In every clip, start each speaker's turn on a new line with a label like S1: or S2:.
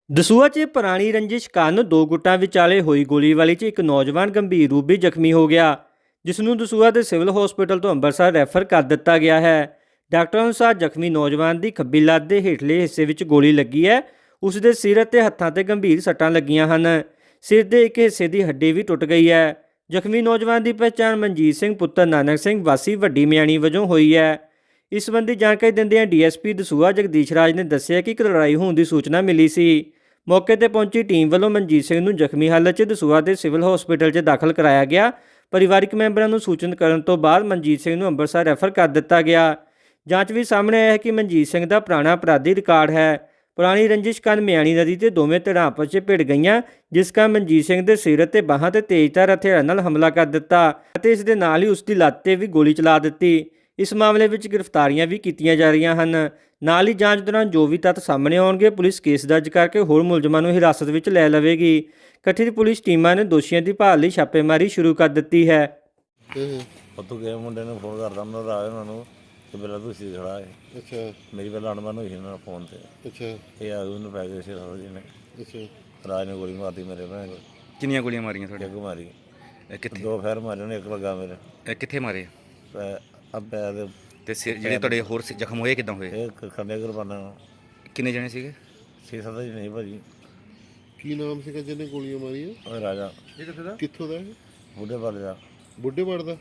S1: ਦਸੂਹਾ 'ਚ ਪੁਰਾਣੀ ਰੰਜਿਸ਼ ਕਾਰਨ ਦੋ ਗੁੱਟਾਂ ਵਿਚਾਲੇ ਹੋਈ ਗੋਲੀਬਾਰੀ 'ਚ ਇੱਕ ਨੌਜਵਾਨ ਗੰਭੀਰ ਰੂਪ ਵਿੱਚ ਜ਼ਖਮੀ ਹੋ ਗਿਆ, ਜਿਸ ਨੂੰ ਦਸੂਹਾ ਦੇ ਸਿਵਲ ਹਸਪਤਾਲ ਤੋਂ ਅੰਮ੍ਰਿਤਸਰ ਰੈਫਰ ਕਰ ਦਿੱਤਾ ਗਿਆ ਹੈ। ਡਾਕਟਰਾਂ ਅਨੁਸਾਰ ਜ਼ਖਮੀ ਨੌਜਵਾਨ ਦੀ ਖੱਬੀ ਲੱਤ ਦੇ ਹੇਠਲੇ ਹਿੱਸੇ ਵਿੱਚ ਗੋਲੀ ਲੱਗੀ ਹੈ। ਉਸ ਦੇ ਸਿਰ ਅਤੇ ਹੱਥਾਂ 'ਤੇ ਗੰਭੀਰ ਸੱਟਾਂ ਲੱਗੀਆਂ ਹਨ। ਸਿਰ ਦੇ ਇੱਕ ਹਿੱਸੇ ਦੀ ਹੱਡੀ ਵੀ ਟੁੱਟ ਗਈ ਹੈ। ਜ਼ਖਮੀ ਨੌਜਵਾਨ ਦੀ ਪਛਾਣ ਮਨਜੀਤ ਸਿੰਘ ਪੁੱਤਰ ਨਾਨਕ ਸਿੰਘ ਵਾਸੀ ਵੱਡੀ ਮਿਆਣੀ ਵਜੋਂ ਹੋਈ ਹੈ। ਇਸ ਸੰਬੰਧੀ ਜਾਣਕਾਰੀ ਦਿੰਦਿਆਂ ਡੀਐਸਪੀ ਦਸੂਹਾ ਜਗਦੀਸ਼ ਰਾਜ ਨੇ ਦੱਸਿਆ ਕਿ ਇੱਕ ਲੜਾਈ ਹੋਣ ਦੀ ਸੂਚਨਾ ਮਿਲੀ ਸੀ। ਮੌਕੇ ਤੇ ਪਹੁੰਚੀ ਟੀਮ ਵੱਲੋਂ ਮਨਜੀਤ ਸਿੰਘ ਨੂੰ ਜ਼ਖਮੀ ਹਾਲਤ 'ਚ ਦਸੂਹਾ ਦੇ ਸਿਵਲ ਹਸਪਤਾਲ 'ਚ ਦਾਖਲ ਕਰਾਇਆ ਗਿਆ। ਪਰਿਵਾਰਕ ਮੈਂਬਰਾਂ ਨੂੰ ਸੂਚਿਤ ਕਰਨ ਤੋਂ ਬਾਅਦ ਮਨਜੀਤ ਸਿੰਘ ਨੂੰ ਅੰਮ੍ਰਿਤਸਰ ਰੈਫਰ ਕਰ ਦਿੱਤਾ ਗਿਆ। ਜਾਂਚ ਵਿੱਚ ਸਾਹਮਣੇ ਆਇਆ ਹੈ ਕਿ ਮਨਜੀਤ ਸਿੰਘ ਦਾ ਪੁਰਾਣਾ ਅਪਰਾਧੀ ਰਿਕਾਰਡ ਹੈ। ਪੁਰਾਣੀ ਰੰਜਿਸ਼ ਕਾਰਨ ਮਿਆਣੀ ਨਦੀ ਤੇ ਦੋਵੇਂ ਧਿਰਾਂ ਆਪਸ 'ਚ ਭਿੜ ਗਈਆਂ, ਜਿਸ ਕਾਰਨ ਮਨਜੀਤ ਸਿੰਘ ਦੇ ਸਿਰ ਅਤੇ ਬਾਹਾਂ ਤੇ ਤੇਜ਼ਧਾਰ ਹਥਿਆਰਾਂ ਨਾਲ ਹਮਲਾ ਕਰ ਦਿੱਤਾ ਅਤੇ ਇਸ ਦੇ ਨਾਲ ਹੀ ਉਸ ਦੀ ਲੱਤ ਤੇ ਵੀ ਗੋਲੀ ਚਲਾ ਦਿੱਤੀ। ਇਸ ਮਾਮਲੇ ਵਿੱਚ ਗ੍ਰਿਫਤਾਰੀਆਂ ਵੀ ਕੀਤੀਆਂ ਜਾ ਰਹੀਆਂ ਹਨ। ਨਾਲ ਹੀ ਜਾਂਚ ਦੌਰਾਨ ਜੋ ਵੀ ਤੱਥ ਸਾਹਮਣੇ ਆਉਣਗੇ, ਪੁਲਿਸ ਕੇਸ ਦਰਜ ਕਰਕੇ ਹੋਰ ਮੁਲਜ਼ਮਾਂ ਨੂੰ ਹਿਰਾਸਤ ਵਿੱਚ ਲੈ ਲਵੇਗੀ। ਗਠਿਤ ਪੁਲਿਸ ਟੀਮਾਂ ਨੇ ਦੋਸ਼ੀਆਂ ਦੀ ਭਾਲ ਲਈ ਛਾਪੇਮਾਰੀ ਸ਼ੁਰੂ ਕਰ ਦਿੱਤੀ ਹੈ।
S2: ਉੱਥੋਂ ਗਏ ਮੁੰਡੇ ਨੂੰ ਫੋਨ ਕਰਦਾ ਮੈਂ ਰਾਜ ਉਹਨਾਂ ਨੂੰ ਕਿ ਮੇਰਾ ਤੁਸੀਂ ਖੜਾ ਹੈ।
S3: ਅੱਛਾ
S2: ਮੇਰੀ ਪਹਿਲਾਂ ਅਣਬਣ ਹੋਈ ਸੀ ਉਹਨਾਂ ਨਾਲ ਫੋਨ ਤੇ।
S3: ਅੱਛਾ
S2: ਇਹ ਆ ਉਹਨੂੰ ਪੈ ਗਏ ਸੀ ਜੀ ਨੇ।
S3: ਅੱਛਾ
S2: ਰਾਜ ਨੇ ਗੋਲੀ ਮਾਰਤੀ ਮੇਰੇ ਭੈਣ ਕੋਲ।
S4: ਕਿੰਨੀਆਂ ਗੋਲੀਆਂ ਮਾਰੀਆਂ ਤੁਹਾਡੇ?
S2: ਇੱਕ ਮਾਰੀ,
S4: ਕਿੱਥੇ?
S2: ਦੋ ਫੈਰ ਮਾਰੇ ਉਹਨੇ, ਇੱਕ ਲੱਗਾ ਮੇਰੇ
S4: ਕਿੱਥੇ ਮਾਰੇ?
S2: ਪੈਰ ਦੇ।
S4: ਤੇ ਜਿਹੜੇ ਤੁਹਾਡੇ ਹੋਰ ਜ਼ਖਮ ਹੋਏ ਕਿੱਦਾਂ ਹੋਏ?
S2: ਇਹ ਖੰਡੇ ਕੁਰਬਾਨਾ
S4: ਕਿੰਨੇ ਜਣੇ ਸੀਗੇ?
S2: 6-7 ਜੀ ਨਹੀਂ ਭਾਜੀ।
S3: ਕੀ ਨਾਮ ਸੀਗਾ ਜਿਹਨੇ ਗੋਲੀਆਂ ਮਾਰੀਆਂ?
S2: ਉਹ ਰਾਜਾ
S3: ਇਹ ਕਿੱਥੇ ਦਾ? ਕਿੱਥੋਂ ਦਾ?
S2: ਬੁੱਢੇ ਵਾਲੇ ਦਾ।
S3: ਬੁੱਢੇ ਦਾ।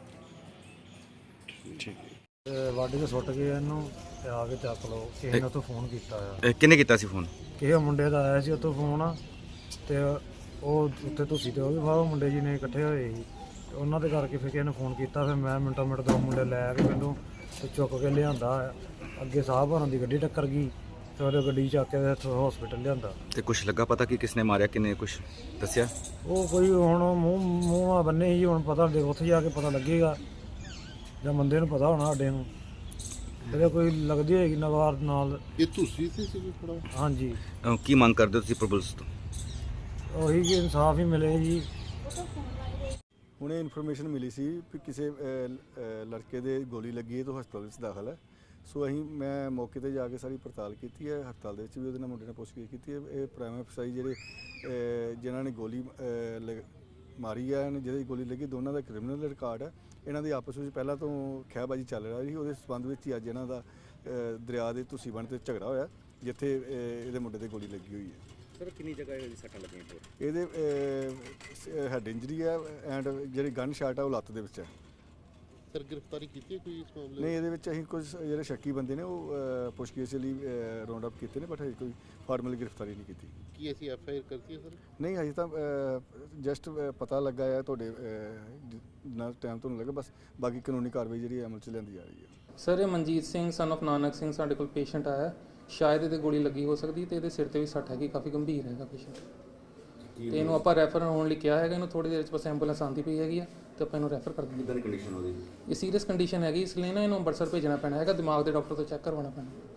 S5: ਠੀਕ ਹੈ। ਵਾਢੀ ਤੇ ਸੁੱਟ ਗਏ ਇਹਨੂੰ ਤੇ ਆ ਕੇ ਚੱਕ ਲਓ। ਕਿਸੇ ਨੇ ਉੱਥੋਂ ਫੋਨ ਕੀਤਾ ਆ।
S4: ਕਿਹਨੇ ਕੀਤਾ ਸੀ ਫੋਨ?
S5: ਕਿਸੇ ਮੁੰਡੇ ਦਾ ਆਇਆ ਸੀ ਉੱਥੋਂ ਫੋਨ, ਤੇ ਉਹ ਉੱਥੇ ਤੁਸੀਂ ਤੇ ਉਹ ਵੀ ਬਾਹਰੋਂ ਮੁੰਡੇ ਜੀ ਨੇ ਇਕੱਠੇ ਹੋਏ ਸੀ, ਤੇ ਉਹਨਾਂ ਦੇ ਕਰਕੇ ਫਿਰ ਕਿਸੇ ਨੇ ਫੋਨ ਕੀਤਾ। ਫਿਰ ਮੈਂ ਮਿੰਟੋ ਮਿੰਟ ਦੋ ਮੁੰਡੇ ਲੈ ਕੇ ਮੈਨੂੰ ਤੇ ਚੁੱਕ ਕੇ ਲਿਆਂਦਾ। ਅੱਗੇ ਸਾਹਿਬ ਹੋਰਾਂ ਦੀ ਗੱਡੀ ਟੱਕਰ ਗਈ ਤੇ ਉਹਦੇ ਗੱਡੀ ਚੱਕ ਕੇ ਇੱਥੋਂ ਹਸਪੀਟਲ ਲਿਆਂਦਾ।
S4: ਤੇ ਕੁਝ ਲੱਗਾ ਪਤਾ ਕਿ ਕਿਸਨੇ ਮਾਰਿਆ, ਕਿੰਨੇ ਕੁਝ ਦੱਸਿਆ?
S5: ਉਹ ਕੋਈ ਹੁਣ ਮੂੰਹ ਬੰਨੇ ਸੀ, ਹੁਣ ਪਤਾ ਉੱਥੇ ਜਾ ਕੇ ਪਤਾ ਲੱਗੇਗਾ ਜਾਂ ਬੰਦੇ ਨੂੰ ਪਤਾ ਹੋਣਾ ਸਾਡੇ ਨੂੰ। ਇਹਦੇ ਕੋਈ ਲੱਗਦੀ ਹੋਏਗੀ ਨਵਾਰ ਨਾਲ।
S3: ਇਹ ਤੁਸੀਂ ਸੀ ਖੜਾ?
S5: ਹਾਂਜੀ।
S4: ਕੀ ਮੰਗ ਕਰਦੇ ਹੋ ਤੁਸੀਂ ਪੁਲਿਸ ਤੋਂ?
S5: ਉਹੀ ਕਿ ਇਨਸਾਫ ਹੀ ਮਿਲੇ ਜੀ।
S6: ਹੁਣੇ ਇਨਫੋਰਮੇਸ਼ਨ ਮਿਲੀ ਸੀ ਕਿ ਕਿਸੇ ਲੜਕੇ ਦੇ ਗੋਲੀ ਲੱਗੀ ਹੈ, ਤੋਂ ਹਸਪਤਾਲ ਵਿੱਚ ਦਾਖਲ ਹੈ। ਸੋ ਮੈਂ ਮੌਕੇ ਤੇ ਜਾ ਕੇ ਸਾਰੀ ਪੜਤਾਲ ਕੀਤੀ ਹੈ। ਹਸਪਤਾਲ ਦੇ ਵਿੱਚ ਵੀ ਉਹਦੇ ਨਾਲ ਮੁੰਡੇ ਨੇ ਪੁੱਛਗਿੱਛ ਕੀਤੀ ਹੈ। ਇਹ ਪ੍ਰਾਈਮ ਅਫਸਰ ਜਿਹੜੇ ਜਿਨ੍ਹਾਂ ਨੇ ਗੋਲੀ ਮਾਰੀ ਹੈ, ਜਿਹਦੀ ਗੋਲੀ ਲੱਗੀ, ਦੋਨਾਂ ਦਾ ਕ੍ਰਿਮੀਨਲ ਰਿਕਾਰਡ ਹੈ। ਇਹਨਾਂ ਦੀ ਆਪਸ ਵਿੱਚ ਪਹਿਲਾਂ ਤੋਂ ਖਹਿਬਾਜ਼ੀ ਚੱਲ ਰਹੀ ਸੀ। ਉਹਦੇ ਸੰਬੰਧ ਵਿੱਚ ਹੀ ਅੱਜ ਇਹਨਾਂ ਦਾ ਦਰਿਆ ਦੇ ਤੁਸੀਂ ਬਣ ਤੇ ਝਗੜਾ ਹੋਇਆ, ਜਿੱਥੇ ਇਹਦੇ ਮੁੰਡੇ ਤੇ ਗੋਲੀ ਲੱਗੀ ਹੋਈ ਹੈ।
S4: ਸਰ ਕਿੰਨੀ ਜਗ੍ਹਾ ਇਹਦੀ ਸੱਟਾਂ ਲੱਗੀਆਂ?
S6: ਇਹਦੇ ਹੈਡ ਇੰਜਰੀ ਹੈ ਐਂਡ ਜਿਹੜੀ ਗਨ ਸ਼ਾਟ ਹੈ ਉਹ ਲੱਤ ਦੇ ਵਿੱਚ ਹੈ।
S3: ਸਰ ਗ੍ਰਿਫਤਾਰੀ ਕੀਤੀ ਹੈ ਕੋਈ ਇਸ ਮਾਮਲੇ?
S6: ਨਹੀਂ, ਇਹਦੇ ਵਿੱਚ ਅਸੀਂ ਕੁਝ ਜਿਹੜੇ ਸ਼ੱਕੀ ਬੰਦੇ ਨੇ ਉਹ ਪੁੱਛਗਿੱਛ ਲਈ ਰਾਉਂਡ ਅਪ ਕੀਤੇ ਨੇ, ਬਟ ਹਜੇ ਕੋਈ ਫਾਰਮਲ ਗ੍ਰਿਫਤਾਰੀ ਨਹੀਂ ਕੀਤੀ।
S3: ਕੀ ਅਸੀਂ FIR ਕਰਤੀ ਹੈ ਸਰ?
S6: ਨਹੀਂ, ਹਜੇ ਤਾਂ ਜਸਟ ਪਤਾ ਲੱਗਾ ਹੈ ਤੁਹਾਡੇ ਨਾਲ ਟਾਈਮ ਤੁਹਾਨੂੰ ਲੱਗਾ, ਬਸ ਬਾਕੀ ਕਾਨੂੰਨੀ ਕਾਰਵਾਈ ਜਿਹੜੀ ਅਮਲ 'ਚ ਲਿਆਂਦੀ ਜਾ ਰਹੀ ਹੈ।
S7: ਸਰ ਇਹ ਮਨਜੀਤ ਸਿੰਘ ਸਨ ਆਫ ਨਾਨਕ ਸਿੰਘ ਸਾਡੇ ਕੋਲ ਪੇਸ਼ੈਂਟ ਆਇਆ। ਸ਼ਾਇਦ ਇਹਦੇ ਗੋਲੀ ਲੱਗੀ ਹੋ ਸਕਦੀ ਤੇ ਇਹਦੇ ਸਿਰ ਤੇ ਵੀ ਸੱਟ ਹੈਗੀ, ਕਾਫੀ ਗੰਭੀਰ ਹੈਗਾ ਪੇਸ਼ੈਂਟ। ਤੇ ਇਹਨੂੰ ਆਪਾਂ ਰੈਫਰ ਹੋਣ ਲਈ ਕਿਹਾ ਹੈਗਾ। ਇਹਨੂੰ ਥੋੜੀ ਦੇਰ 'ਚ ਬਸ ਐਂਬੂਲੈਂਸ ਆਉਂਦੀ ਪਈ ਹੈਗੀ ਆ ਤੇ ਆਪਾਂ ਇਹਨੂੰ ਰੈਫਰ ਕਰ ਦਿੰਦੇ।
S4: ਕਿੱਦਾਂ ਦੀ ਕੰਡੀਸ਼ਨ ਉਹਦੀ?
S7: ਇਹ ਸੀਰੀਅਸ ਕੰਡੀਸ਼ਨ ਹੈਗੀ, ਇਸ ਲਈ ਨਾ ਇਹਨੂੰ ਅੰਮ੍ਰਿਤਸਰ ਭੇਜਣਾ ਪੈਣਾ ਹੈਗਾ। ਦਿਮਾਗ ਦੇ ਡਾਕਟਰ ਤੋਂ ਚੈੱਕ ਕਰਵਾਉਣਾ ਪੈਣਾ।